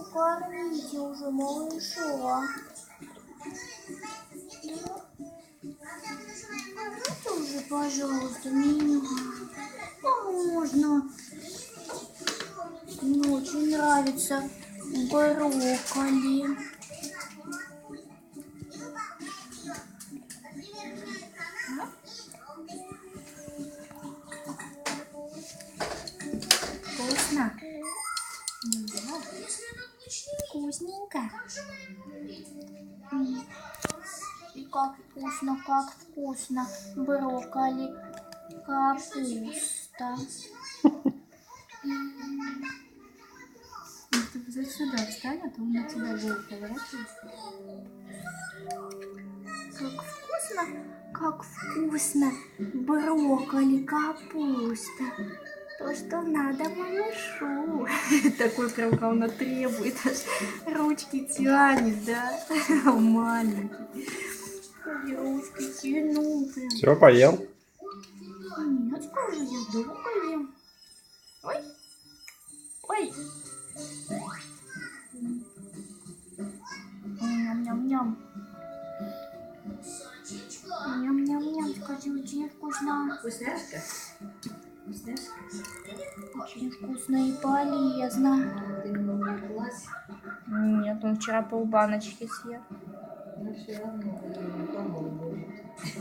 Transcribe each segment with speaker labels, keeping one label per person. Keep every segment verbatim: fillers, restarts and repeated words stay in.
Speaker 1: покормите уже малыша. Покормите уже, пожалуйста, меня. Можно. Мне очень нравится брокколи. Вкусно? Да. Вкусненько. И как вкусно, как вкусно. Брокколи, капуста.
Speaker 2: Ты сюда встань, а то он на тебя голову поворачивается.
Speaker 1: Как вкусно, как вкусно. Брокколи, капуста. То, что надо малышу.
Speaker 2: Такой прям, как он требует, аж ручки тянет, да? Маленький.
Speaker 1: Ручки тяну.
Speaker 3: Все, поел?
Speaker 1: Нет, скажи, я долго ем. Ой. Ой. Ням-ням-ням. Ням-ням-ням, скажи, очень вкусно.
Speaker 2: Вкусняшка? Вкусняшка?
Speaker 1: Очень вкусно и полезно.
Speaker 2: Ты не увлеклась?
Speaker 1: Нет, он вчера полбаночки съел.
Speaker 2: Ну все равно, не помогу.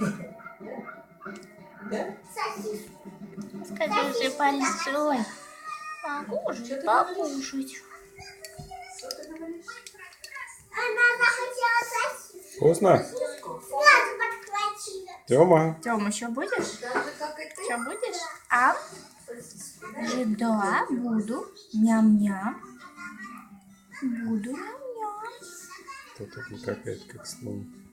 Speaker 2: Да?
Speaker 1: Скажи же большой. Могу же покушать.
Speaker 2: Что ты говоришь?
Speaker 4: Она захотела сосиску.
Speaker 3: Вкусно?
Speaker 4: Сразу подхватила.
Speaker 3: Тёма?
Speaker 1: Тём, еще будешь?
Speaker 2: Так же, как и ты.
Speaker 1: Еще будешь? А? Же, да, буду. Ням-ням. Буду ням-ням.
Speaker 3: Кто-то не какая-то как слон.